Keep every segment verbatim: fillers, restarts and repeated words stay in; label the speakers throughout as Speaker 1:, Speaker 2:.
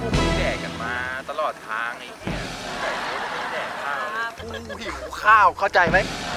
Speaker 1: พวกมึงแดกกันมาตลอดทางไอ้เหี้ยไก่โคตรไม่แดกข้าวกูหิวข้าวเข้าใจไหม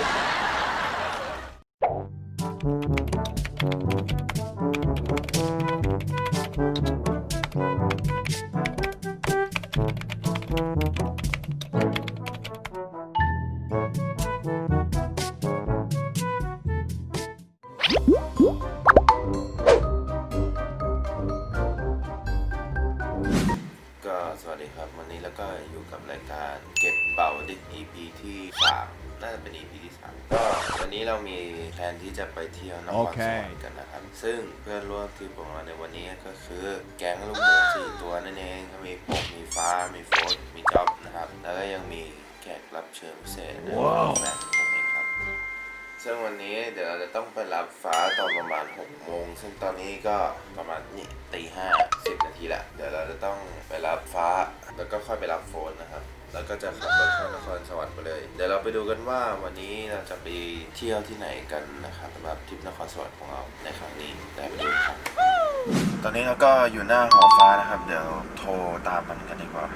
Speaker 1: ก็สวัสดีครับวันนี้แล้วก็อยู่กับรายการเก็บเป่าดิ อี พี ที่สามน่าจะเป็น อี พี ที่สามก็วันนี้เรามีแผนที่จะไปเที่ยวนครสวรรค์กันนะครับซึ่งเพื่อนร่วมทริปของเราในวันนี้ก็คือแก๊งลูกหมูสี่ตัวนั่นเองก็มีผมมีฟ้ามีโฟร์มีจ๊อบนะครับแล้วก็ยังมีแขกรับเชิญพิเศษนะแฟนผมเองครับซึ่งวันนี้เดี๋ยวเราจะต้องไปรับฟ้าตอนประมาณหกโมงซึ่งตอนนี้ก็ประมาณนี่ตีห้าสิบนาทีละเดี๋ยวเราจะต้องไปรับฟ้าแล้วก็ค่อยไปรับโฟนนะครับแล้วก็จะขับรถเข้านครสวรรค์ไปเลยเดี๋ยวเราไปดูกันว่าวันนี้เราจะไปเที่ยวที่ไหนกันนะครับสำหรับทริปนครสวรรค์ของเราในครั้งนี้ได้ไปดูครับตอนนี้เราก็อยู่หน้าหอฟ้านะครับเดี๋ยวโทรตามมันกันดีกว่า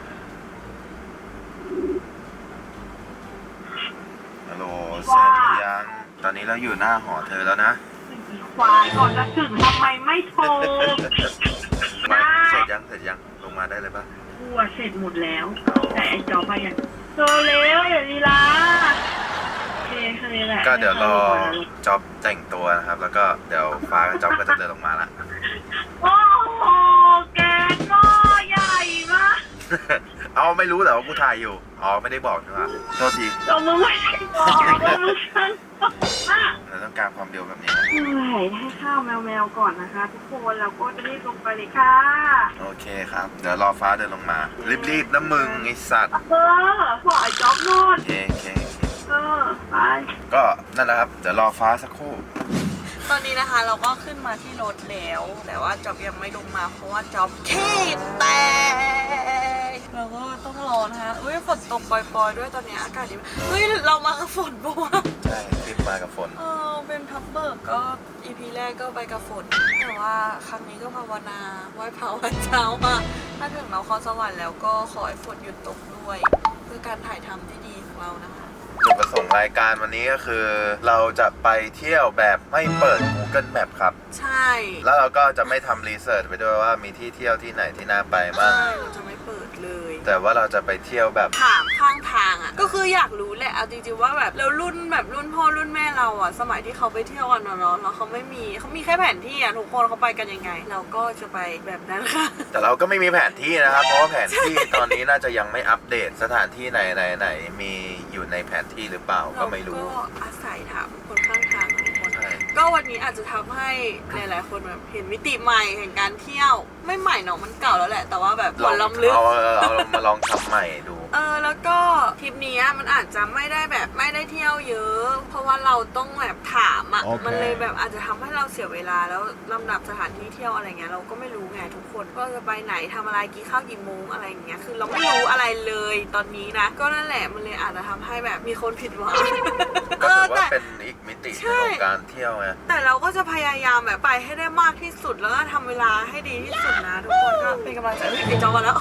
Speaker 1: ฮัลโหลเสร็จหรือยังตอนนี้เราอยู่หน้าหอเธอแล้วนะ
Speaker 2: ควายก่อนจะถึงทำไมไม่โทร
Speaker 1: มาเสร็จยังเสร็จยังลงมาได้เลยปะ
Speaker 2: กูเสร็จหมดแล้วแต่ไอ้จอไปยังเธอเร็วอย่าลีลาโอเคแค่นี้แหละ
Speaker 1: ก็เดี๋ยวรอจ็อบแต่งตัวนะครับแล้วก็เดี๋ยวฟ้ากับจ็อบก็จะเดินลงมาละ
Speaker 2: โอ้โหแกงหม้อใหญ่มาก
Speaker 1: เอาไม่รู้แต่ว่ากูถ่ายอยู่อ๋อไม่ได้บอกใช่ไหมโทษที
Speaker 2: เรามึงไม่ได้บอกเรามึงช่าง
Speaker 1: เราต้องการความเร็วแบบนี้
Speaker 2: เหนื่อยให้ข้าวแมวๆก่อนนะคะทุกคนเราก็จะรีบลงไปเลยค่ะ
Speaker 1: โอเคครับเดี๋ยวรอฟ้าเดินลงมารีบๆนะมึงไอสัตว์
Speaker 2: เออขอไอ้จ๊อบนอน
Speaker 1: โอเคโอเค
Speaker 2: เออไป
Speaker 1: ก็นั่นแหละครับเดี๋ยวรอฟ้าสักครู่
Speaker 3: ตอนนี้นะคะเราก็ขึ้นมาที่รถแล้วแต่ว่าจ๊อบยังไม่ลงมาเพราะว่าจ๊อบขี้แตกเราก็ต้องรอนะคะอุ้ยฝนตกปล่อยๆด้วยตอนนี้อากาศดีเฮ้ยเรามากับฝนปะวะ
Speaker 1: ใช่ทริปมากับฝน
Speaker 3: เออเป็นพับเบิร์กก็ อี พี แรกก็ไปกับฝนแต่ว่าครั้งนี้ก็ภาวนาไหว้พระวันเช้ามาถ้าถึงนครสวรรค์แล้วก็ขอให้ฝนหยุดตกด้วยเพื่อการถ่ายทำที่ดีของเรานะคะ
Speaker 1: จุดประสงค์รายการวันนี้ก็คือเราจะไปเที่ยวแบบไม่เปิด Google Map ครับ
Speaker 3: ใช่
Speaker 1: แล้วเราก็จะไม่ทำรีเสิร์ชไปด้วยว่ามีที่เที่ยวที่ไหนที่น่าไปบ้าง
Speaker 3: ใช่เราจะไม่เปิดเลย
Speaker 1: แต่ว่าเราจะไปเที่ยวแบบ
Speaker 3: ถามข้างทางอ่ะก็คืออยากรู้แหละเอาจริงๆว่าแบบแล้วรุ่นแบบรุ่นพ่อรุ่นแม่เราอ่ะสมัยที่เขาไปเที่ยวกันเนาะแล้วเขาไม่มีเขามีแค่แผนที่อ่ะทุกคนเขาไปกันยังไงเราก็จะไปแบบนั้นค่ะ
Speaker 1: แต่เราก็ไม่มีแผนที่นะครับเพราะว่าแผนที่ตอนนี้น่าจะยังไม่อัปเดตสถานที่ไหนไหนไหนมีอยู่ในแผนที่หรือเปล่าก็ไม่รู้
Speaker 3: ก็อาศัยถามคนข้างทางทุกคนก็วันนี้อาจจะทำให้หลายๆคนแบบเห็นมิติใหม่แห่งการเที่ยวไม่ใหม่เนาะมันเก่าแล้วแหละแต่ว่าแบบ
Speaker 1: ลอง
Speaker 3: ล้ำลึก
Speaker 1: เอาเอามาลองทำใหม่ดู
Speaker 3: เออแล้วก็ทริปนี้มันอาจจะไม่ได้แบบไม่ได้เที่ยวเยอะเพราะว่าเราต้องแบบถามอ่ะ okay. มันเลยแบบอาจจะทำให้เราเสียเวลาแล้วลำดับสถานที่เที่ยวอะไรเงี้ยเราก็ไม่รู้ไงทุกคนว่าจะไปไหนทำอะไรกี่ข้าวกี่โมงอะไรเงี้ยคือเราไม่รู้อะไรเลยตอนนี้นะก็นั่นแหละมันเลยอาจจะทำให้แบบมีคนผิดหวัง
Speaker 1: ก็ถือว่าเป็นอีกมิติของการเที่ยวไง
Speaker 3: แต่เราก็จะพยายามแบบไปให้ได้มากที่สุดแล้วก็ทำเวลาให้ดีที่สุดนะทุกคนก็เป็นกำลังใจให้ไอ้จอมาแล้ว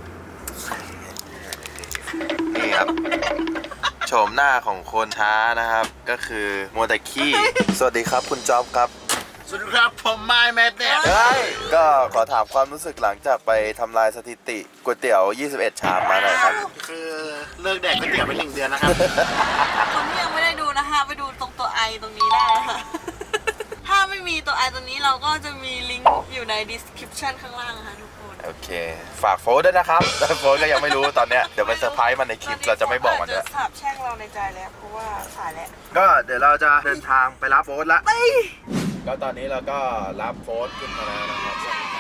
Speaker 1: นี่ครับโฉมหน้าของคนช้านะครับก็คือมัวแต่ขี้สวัสดีครับคุณจ๊อบครับ
Speaker 4: สวัสดีครับผมไมค์แมทเนี่ย
Speaker 1: ก็ขอถามความรู้สึกหลังจากไปทำลายสถิติก๋วยเตี๋ยวยี่สิบเอ็ดชามมาหน่อยครับ
Speaker 4: คือเลิกแดกก๋วยเตี๋ยวไปหนึ่งเดือนนะครับ
Speaker 3: คนที่ยังไม่ได้ดูนะคะไปดูตรงตัวไอตรงนี้ได้ค่ะถ้าไม่มีตัวไอตรงนี้เราก็จะมีลิงก์อยู่ใน description ข้างล่างค่ะทุกคน
Speaker 1: โอเคฝากโฟร์ด้วยนะครับโฟร์ก็ยังไม่รู้ตอนเนี้ยเดี๋ยวไปเซอร์ไพรส์มันในคลิปเราจะไม่บอกมันด้วย
Speaker 3: จะสาบแช่งเราในใจแล้วเพราะว่าขายแล้ว
Speaker 1: ก็เดี๋ยวเราจะเดินทางไปรับโฟร์ละก็ตอนนี้เราก็รับโฟร์ขึ้นมาแล้วนะครับ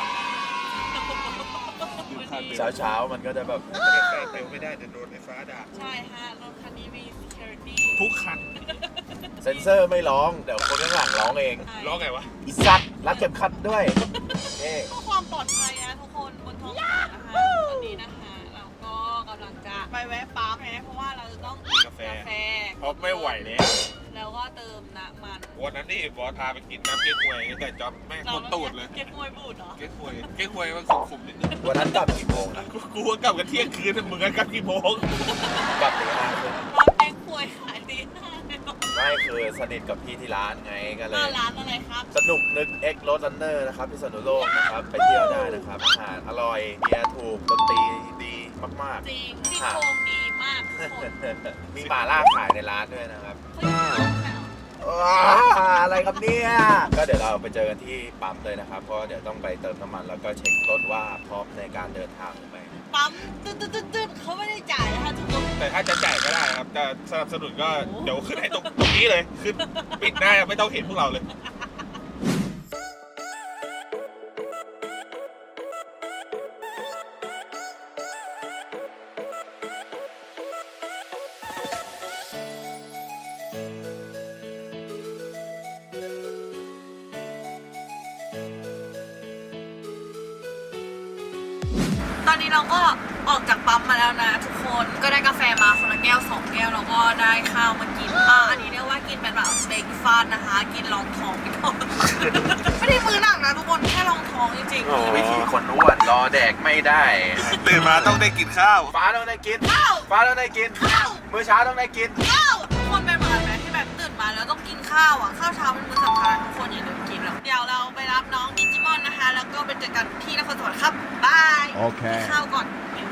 Speaker 1: เช้าเช้ามันก็จะแบบใกล้ๆเร็วไม่ได้เดี๋ยวโดนไฟฟ้าด่า
Speaker 3: ใช่ฮะรถคันนี้มี security
Speaker 4: ทุกคัน
Speaker 1: เซนเซอร์ไม่ร้องเดี๋ยวคนข้างหลังร้องเอง
Speaker 4: ร้องไงวะ
Speaker 1: อีสัตว์รัดเข็มขัดด้วย
Speaker 3: เพื่อความปลอดภัยนะทุกคนบนท้องถนนนะคะตอนนี้นะคะเราก็กำลังจะไปแวะปั๊มนะเพราะว่าเราจะต้องกินกาแฟ
Speaker 4: เพราะไม่ไหวแล้ว
Speaker 3: แล้วก็เติมน้ำมัน
Speaker 5: วันนั้นนี่บอสพาไปกินน้ำเก๊กฮวยแต่จ๊อบแม่งคนตูดเลย
Speaker 3: เก็บมวยบูดเหรอ
Speaker 5: เก๊กฮวยเก๊กฮวยมันขมๆนิดนึง
Speaker 1: วันนั้นกลับกี่โมงนะ
Speaker 5: กูกูว่ากลับกันเที่ยงคืนแต่มึงก็กลับกี่โมง
Speaker 1: กลับตีห้าครึ่ง
Speaker 3: ร้านเก็บมวยขายดีมากเลย
Speaker 1: ไม่คือสนิทกับพี่ที่ร้านไงก็เลย
Speaker 3: ร้านอะไรครับ
Speaker 1: สนุกนึก X Road Runner นะครับที่สนุโลกนะครับ ไปเที่ยวได้นะครับ อาหารอร่อยเบียร์ถูกดนตรีดีมาก
Speaker 3: จริงที่โครงดีมากทุกคน
Speaker 1: ๆ มีหม่าล่าขายในร้านด้วยนะครับ
Speaker 3: เฮ้ยแถว
Speaker 1: ว้าอะไรครับเนี่ย ก็เดี๋ยวเราไปเจอกันที่ปั๊มเลยนะครับ เพราะเดี๋ยวต้องไปเติมน้ำมันแล้วก็เช็ครถว่าพร้อมในการเดินทางหรือไม่
Speaker 3: ปั๊มตึ๊ดตึ๊ดตึ๊ดตึ๊ดเขาไม่ได้จ่ายนะคะทุกคน
Speaker 5: แต่ถ้าจะจ่ายก็ได้ครับแต่สนับสนุนก็เดี๋ยวขึ้นให้ตรงตรงนี้เลยขึ้นปิดหน้าไม่ต้องเห็นพวกเราเลย
Speaker 3: ตอนนี้เราก็ออกจากปั๊มมาแล้วนะทุกคนก็ได้กาแฟมาคนละแก้วสองแก้วแล้วก็ได้ข้าวมากินอ่าอันนี้เรียกว่ากินเป็นแบบเบรกฟาสต์นะคะ กินรองท้องไปก่อน ไม่ได้มือหนักนะทุกคนแค่รองท้องจริงๆ
Speaker 1: วิธีคนอ้วนรอแดกไม่ได้
Speaker 5: ตื่นมาต้องได้กินข้าว
Speaker 1: ฟ้าต้องได้กิน
Speaker 3: ข้าว
Speaker 1: ฟ้าต้องได้กิน
Speaker 3: ข้าว
Speaker 1: มื้อเช้าต้องได้กิน
Speaker 3: ข้าวทุกคนเป็นเหมือนไหมที่แบบตื่นมาแล้วต้องกินข้าวอ่ะข้าวเช้าเป็นมื้อสำคัญทุกคนอย่าลืมกินแล้วเดี๋ยวเราไปรับน้องดิจิมอนนะคะ แล้วก็ไปเจอกันที่นครสวรรค์ครับบาย
Speaker 6: โอเค
Speaker 3: กินข้าวก่อน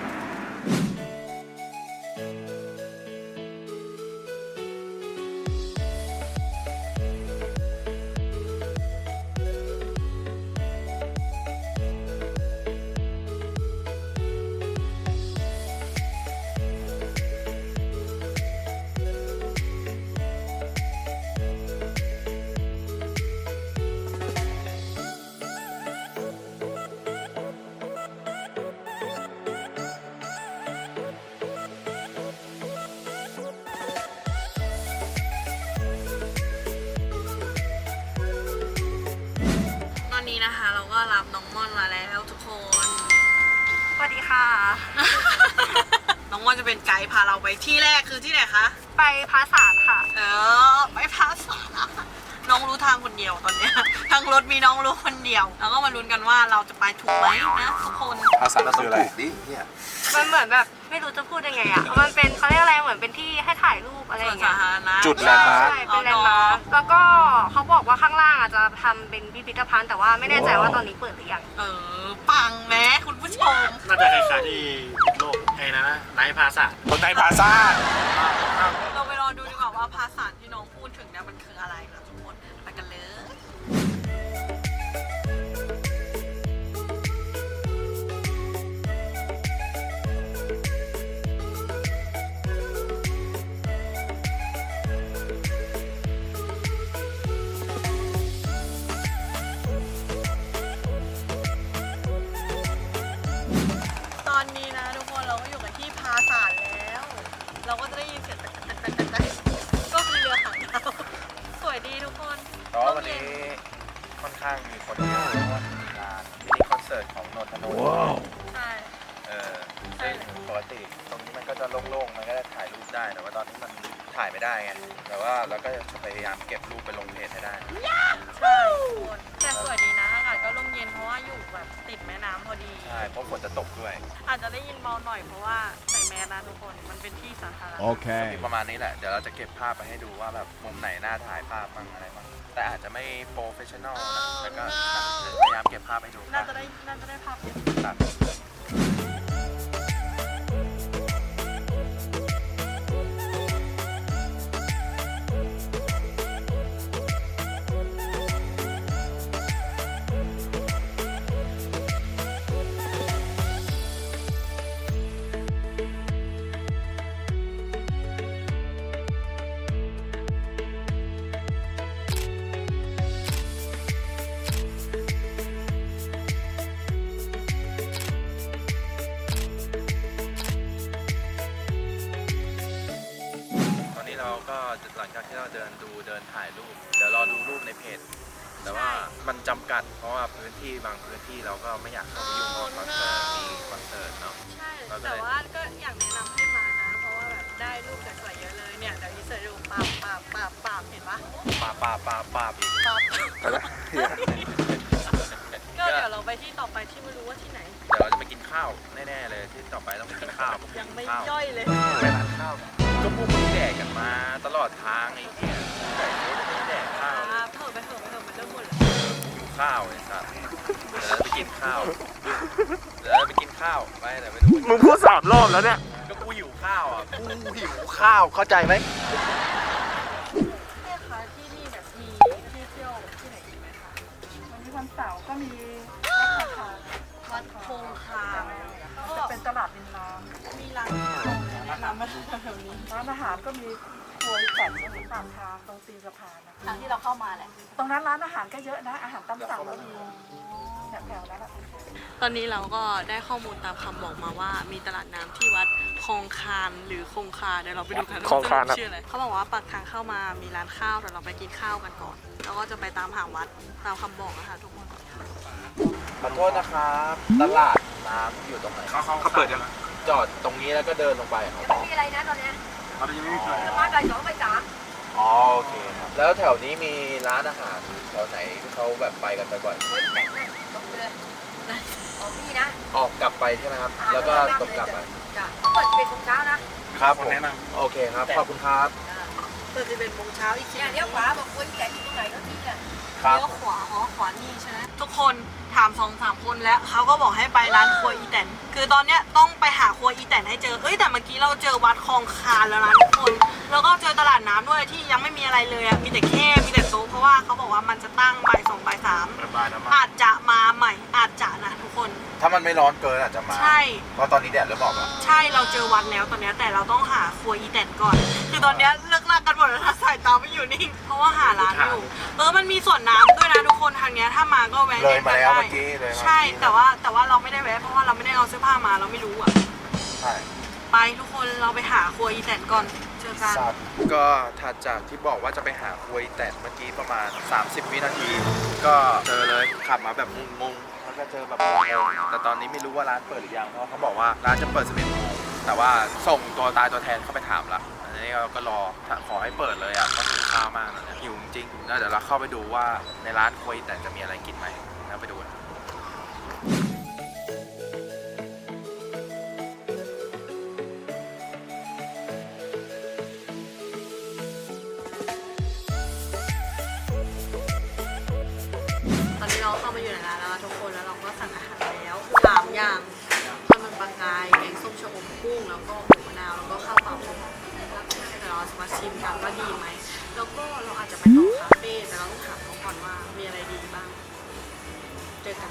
Speaker 3: ตอนนี้นะคะเราก็รับน้องม่อนมาแล้วทุกคน สวัสดีค่ะ น้องม่อนจะเป็นไกด์พาเราไปที่แรกคือที่ไหนคะ
Speaker 7: ไปพาสารค่ะ
Speaker 3: เออไปพาสาน้องรู้ทางคนเดียวตอนเนี้ยทางรถมีน้องรู้คนเดียว แล้วก็มาลุ้นกันว่าเราจะไปถูกไหมนะทุกคน
Speaker 5: ภาษาคืออะไร
Speaker 1: ดิเนี่ย
Speaker 7: มันเหมือนแบบไม่รู้จะพูดยังไงอ่ะ มันเป็นเขาเรียกอะไรเหมือนเป็นที่ให้ถ่ายรูปอะไรอ
Speaker 3: ส่วน
Speaker 7: ย่าง
Speaker 3: สา
Speaker 7: เงี้ย
Speaker 3: ธารณะ
Speaker 5: จุดแลนด์มาร์ค
Speaker 7: ใช่เป็นแลนด์มาร์คแล้วก็เขาบอกว่าข้างล่างอาจจะทำเป็นพิพิธภัณฑ์แต่ว่าไม่แน่ใจว่าตอนนี้เปิดหรือยัง
Speaker 3: เออปังแม้คุณผู้ชม
Speaker 4: น่าจะคล้ายๆที่โลกไอ้นะนะไนท์พาสะ
Speaker 5: คนในพาซ่า
Speaker 3: เราไปรอดูดีกว่าว่าภาษาที่น้องพูดถึงเนี่ยมันคืออะไรนะทุกคนไปกันเลย ตอนนี้นะทุกคนเราก็อยู่กันที่พาสาทแล้ว เราก็จะได้ยินเสียงตักตักตักตักตักก็คือเรือหางยาวสวยดีทุกคน
Speaker 1: แต่ว่าวันนี้ค่อนข้างมีคนเยอะเพราะว่ามีงานมินิคอนเสิร์ตของนนทนนท์
Speaker 3: ใช่
Speaker 1: เออซึ่งปกติตรงนี้มันก็จะโล่งๆ มันก็จะถ่ายรูปได้ แต่ว่าตอนนี้มันถ่ายไม่ได้ไง แต่ว่าเราก็จะพยายามเก็บรูปไปลงเพจให้ได้
Speaker 3: ใช่ทุกคนแต่สวยดีนะอากาศก็ร่มเย็นเพราะว่าอยู่แบบติดแม่น้ำพอดี
Speaker 1: ใช่ เพราะฝนจะตกด้วย
Speaker 3: อาจจะได้ยินเบาหน่อยเพราะว่าใส่แมสนะทุกคนมันเป็นที่สาธารณะ
Speaker 6: Okay.
Speaker 1: ประมาณนี้แหละ เดี๋ยวเราจะเก็บภาพไปให้ดูว่าแบบมุมไหนน่าถ่ายภาพบ้างอะไรบ้าง แต่อาจจะไม่โปรเฟชชั่นอลนะแต่ก็พยายามเก็บภาพให้ดู
Speaker 3: น่าจะได้น่าจะได้ภาพเยอะ
Speaker 1: ครับ ตอนนี้เราก็หลังจากที่เราเดินดูเดินถ่ายรูป เดี๋ยวรอดูรูปในเพจ แต่ว่ามันจำกัดเพราะว่าพื้นที่บางพื้นที่เราก็ไม่อยากเข้าไปยุ่งเพราะคอนเสิร์ตมีคอนเสิร์ตเนาะ
Speaker 3: ใช่แต่ว่าก็อยากแนะนำให้มานะเพราะว่าแบบได้รูปสวยๆเยอะเลยเนี่ยเดี๋ยวอีเสิร์ตดูปาบปาบปาบปาบเห็นปะ
Speaker 1: ป่าป่าบปาปาบอีก
Speaker 3: ก็เดี๋ยวเราไปที่ต่อไปที่ไม่รู้ว่าที่ไหน
Speaker 1: เดี๋ยวเราจะไปกินข้าวแน่ๆเลยที่ต่อไปต้องไปกินข้าว
Speaker 3: ยังไม่
Speaker 1: ข้าว
Speaker 3: ย่อยเลย
Speaker 1: ไปร้านข้าวก็พวกมึงแดกกันมาตลอดทางไอ้เหี้ยไก่โคตรไม่แดกข้าว
Speaker 3: อ่าเถอะไปเถอะไปเถอะมันเริ่มหมดแล้ว
Speaker 1: หิวข้าวไอ้สัสเดี๋ยวเราไปกินข้าวเดี๋ยวเราไปกินข้าวไปแต่ไม่รู้
Speaker 5: มึงพูดสามรอบแล้วเนี่ย
Speaker 1: ก็กูหิวข้าวอ่ะกูหิวข้าวเข้าใจไหม
Speaker 3: แม่คะที่นี่แบบมีที่เที่ยวที่ไหนอีกไหมคะ
Speaker 2: วันนี้วันเสาร์ก็มีวัดคาคา
Speaker 3: วัดคงคา
Speaker 2: จะเป็นตลาดริมน้
Speaker 3: มีร้านข้าวแนะนำมาแถวนี้
Speaker 2: ำร้านอาหารก็มีครัวแต่ตรงปากทางตรงตีนสะพานนะ
Speaker 3: ทางที่เราเข้ามาแหละ
Speaker 2: ตรงนั้นร้านอาหารก็เยอะนะ อาหารตามสั่งก็มีแถวๆนั้นแหละ
Speaker 3: ตอนนี้เราก็ได้ข้อมูลตามคำบอกมาว่ามีตลาดน้ำที่วัดคงคานหรือคงคาเดี๋ยวเราไปดูกัน
Speaker 5: คงคาน
Speaker 3: ว่าชื่ออะไรเขาบอกว่าปากทางเข้ามามีร้านข้าวแต่เราไปกินข้าวกันก่อนแล้วก็จะไปตามหาวัดตามคำบอกนะคะทุกคน
Speaker 1: ขอโทษนะครับตลาดน้ำอยู่ตรงไหน
Speaker 5: เขาเขาเขาเปิดยัง
Speaker 1: จอดตรงนี้แล้วก็เดินลงไปครับ
Speaker 7: มีอะไรนะตอนเนี้ย
Speaker 5: ตอนนี้ยังไม่มีใคร
Speaker 7: มาไก่สองไปสาม
Speaker 1: อ๋อโอเคครับแล้วแถวนี้มีร้านอาหารแถวไหนที่เขาแบบไปกันบ่อย
Speaker 7: เฮ้ยแต่นั่นตรงไปเลยของพี่นะ
Speaker 1: ๆออกกลับไปใช่ไหมครับแล้วก็ตรงกลับไป
Speaker 7: จ้ะเปิดเป็นของเช้านะครับ
Speaker 1: ผม
Speaker 5: แนะน
Speaker 1: โอเคครับขอบคุณครับ
Speaker 3: เปิดจะเป็นโมงเช้าอีกที
Speaker 7: เนี่ยเลี้ยวขวาบอกว่าแต่อยู่ตรงไหนก็ที่เนี่ย
Speaker 1: ครับ
Speaker 3: เลี้ยวขวาอ๋อขวานี่ใช่ไหมทุกคนถามสองสามคนแล้วเขาก็บอกให้ไปร้านครัวอีแตนคือตอนเนี้ยต้องไปหาครัวอีแตนให้เจอเอ้ยแต่เมื่อกี้เราเจอวัดคลองคานแล้วนะทุกคนแล้วก็เจอตลาดน้ำด้วยที่ยังไม่มีอะไรเลยอะมีแต่แค่มีแต่โต๊ะเพราะว่าเขาบอกว่ามันจะตั้งบ่ายสองบ่ายสาม
Speaker 5: ำระบายน้ำมัน
Speaker 3: อาจจะมาใหม่อาจจะนะทุกคน
Speaker 1: ถ้ามันไม่ร้อนเกินอาจจะมา
Speaker 3: ใช่
Speaker 1: เพราะตอนนี้แดดเริ่มออกแล้ว
Speaker 3: ใช่เราเจอวัดแล้วตอนเนี้ยแต่เราต้องหาครัวอีแตนก่อน คือตอนเนี้ยเลิกลากกันหมดแล้วนะสายตาไม่อยู่นิ่งเพราะว่าหาร้านอยู่เออมันมีสวนน้ำด้วยนะทุกคนทางเนี้ยถ้ามาก็แวะ
Speaker 1: เลยมาแล้ว
Speaker 3: ได้
Speaker 1: เมื่อกี้เลยมา
Speaker 3: ใช่แต่ว่าแต่ว่าเราไม่ได้แวะเพราะว่าเราไม่ได้เอาเสื้อผ้ามาเราไม่รู้อ่ะ
Speaker 1: ใช่
Speaker 3: ไปทุกคนเราไปหาครัวอีแตนก่อนเจอกัน
Speaker 1: สัตว์ก็ถัดจากที่บอกว่าจะไปหาควยแตนเมื่อกี้ประมาณ สามสิบ วินาที ก็เจอเลยขับมาแบบงงๆแล้วก็เจอแบบงงๆแต่ตอนนี้ไม่รู้ว่าร้านเปิดหรือยังเพราะเขาบอกว่าร้านจะเปิดสิบเอ็ดโมงแต่ว่าส่งตัวตายตัวแทนเข้าไปถามละอันนี้เราก็รอถ้าขอให้เปิดเลยอ่ะก็หิวข้าวมากนะเนี่ยหิวจริงๆแล้วเดี๋ยวเราเข้าไปดูว่าในร้านควยแตนจะมีอะไรกินไหมแล้วไปดูกัน
Speaker 3: ตอนนี้เราเข้ามาอยู่ในร้านแล้วนะทุกคนแล้วเราก็สั่งอาหารแล้วสามอย่างข้าวมันปลากายแกงส้มชะอมกุ้งแล้วก็หมูมะนาวแล้วก็ข้าวเปล่าเดี๋ยวเราจะมาชิมกันว่าดีไหมแล้วก็เราอาจจะไปต่อคาเฟ่แต่เราต้องถามเขาก่อนว่ามีอะไรดีบ้างเจอกัน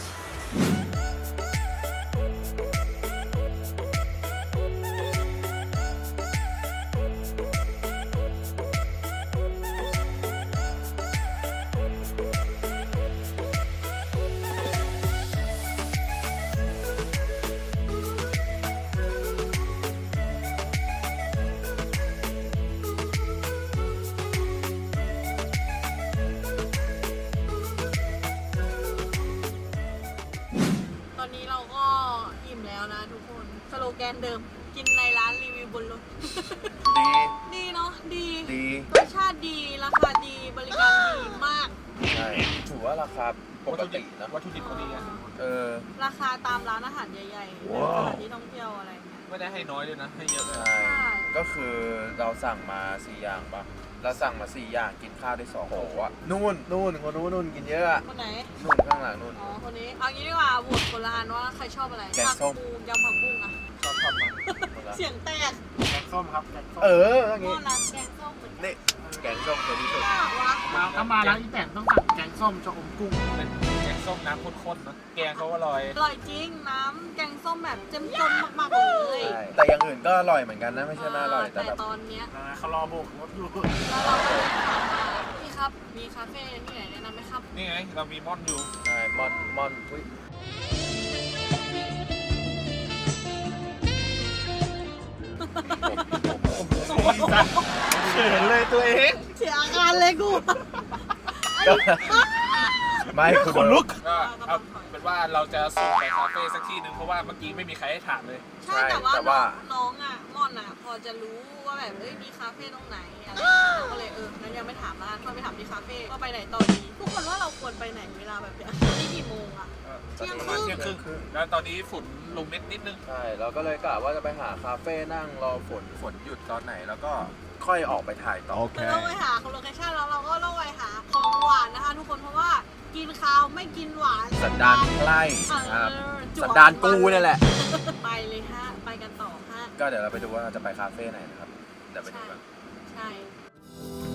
Speaker 3: ตอนนี้เราก็อิ่มแล้วนะทุกคนสโลแกนเดิมกินในร้านรีวิวบนรถ
Speaker 1: ดี
Speaker 3: ดีเนาะดี
Speaker 1: ดี
Speaker 3: รสชาติดีราคาดีบริการดีมาก
Speaker 1: ใช่ถือว่าราคาปกตินะ
Speaker 5: วัตถุดิบเขาดีนะ
Speaker 1: เออ
Speaker 3: ราคาตามร้านอาหารใหญ่ๆ
Speaker 5: ว้าว
Speaker 3: สถานที่ท่องเที่ยวอะไรเงี้ย
Speaker 5: ไม่ได้ให้น้อยเลยนะ ให้เยอะเลย
Speaker 1: ใช่ก็คือเราสั่งมาสี่อย่างปะเราสั่งมาสี่อย่างกินข้าวได้สองโอ้โหอะนู่นนู่นคนนู้นนู่นกินเยอะอะ
Speaker 3: คนไหน
Speaker 1: นู่นข้างหลังนู่น
Speaker 3: อ๋อ คนนี้ เอางี้ดีกว่าโหวตคนละอันว่าใครชอบอะไร
Speaker 1: แกงส้ม
Speaker 3: ผักบูยำผักบุ้งอะ
Speaker 5: ชอบชอบมาก
Speaker 1: คนละ
Speaker 3: เสียงแตก
Speaker 5: แกงส้มครับแกงส้ม
Speaker 1: เอออย่าง
Speaker 3: หม้
Speaker 1: งี้
Speaker 3: อร้านแกงส้มเหมือนกัน
Speaker 1: นี่แกงส้มตัวที่สุด
Speaker 3: อ่ะวะ
Speaker 5: มาถ้ามาร้านอีแตนต้องสั่งแกงส้มชะอมกุ้งเป็นแกงส้มน้ำข้นๆนะแกงเขาอร่อย
Speaker 3: อร่อยจริง น้ำแกงส้มแบบเจ้มจนมากๆเลย
Speaker 1: ใช่แต่อย่างอื่นก็อร่อยเหมือนกันนะไม่ใช่ไม่อร่อยแต่
Speaker 3: แต่
Speaker 1: แบบ
Speaker 3: ตอนเนี้ย
Speaker 5: นะเขารอโบกรถอยู่
Speaker 3: แล้วเราก็เลยถามว่าพี่ครับ มีคาเฟ่ที่ไหนแนะนำไหมครับ
Speaker 5: นี่ไงเรามีม่อนอยู่
Speaker 1: ใช่มอนมอนอุ้ย
Speaker 5: เขินเลยตัวเอง
Speaker 3: เสียอาการเลยกู
Speaker 1: ก็ไม่คุณ
Speaker 5: ขนลุกก็เอาเป็นเป็นว่าเราจะส่งไปคาเฟ่สักที่หนึ่งเพราะว่าเมื่อกี้ไม่มีใครให้ถามเลย
Speaker 3: ใช่แต่ว่า
Speaker 1: แต่ว่า
Speaker 3: น้องอ่ะม่อนอ่ะ พอจะรู้ว่าแบบเอ้ยมีคาเฟ่ตรงไหนอะไรอย่างเงี้ยเราก็เลยเอองั้นยังไม่ถามละชวนไปถามที่คาเฟ่ว่าไปไหนต่อดีทุกคนว่าเราควรไปไหนเวลาแบบเนี้ยนี่กี่โมงอ่ะ เที่ยงครึ่ง
Speaker 5: เที่ยงครึ่งแล้วตอนนี้ฝุ่นลงนิดนิดนึง
Speaker 1: ใช่เราก็เลยกะว่าจะไปหาคาเฟ่นั่งรอฝนฝนหยุดตอนไหนแล้วก็ค่อยออกไปถ่ายต่อ
Speaker 3: เราต้องไปหาโลเคชั่นแล้วเราก็ต้องไปหาของหวานนะคะ ทุกคนเพราะว่ากินข้าวไม่กินหวาน
Speaker 1: สันดานใกล้
Speaker 3: เออ
Speaker 1: ครับ
Speaker 3: จั่ว
Speaker 1: สันดานกูนี่แหละ
Speaker 3: ไปเลยฮะไปกันต่อฮะ
Speaker 1: ก็เดี๋ยวเราไปดูว่าเราจะไปคาเฟ่ไหนนะครับเดี๋ยวไปดูกัน
Speaker 3: ใช่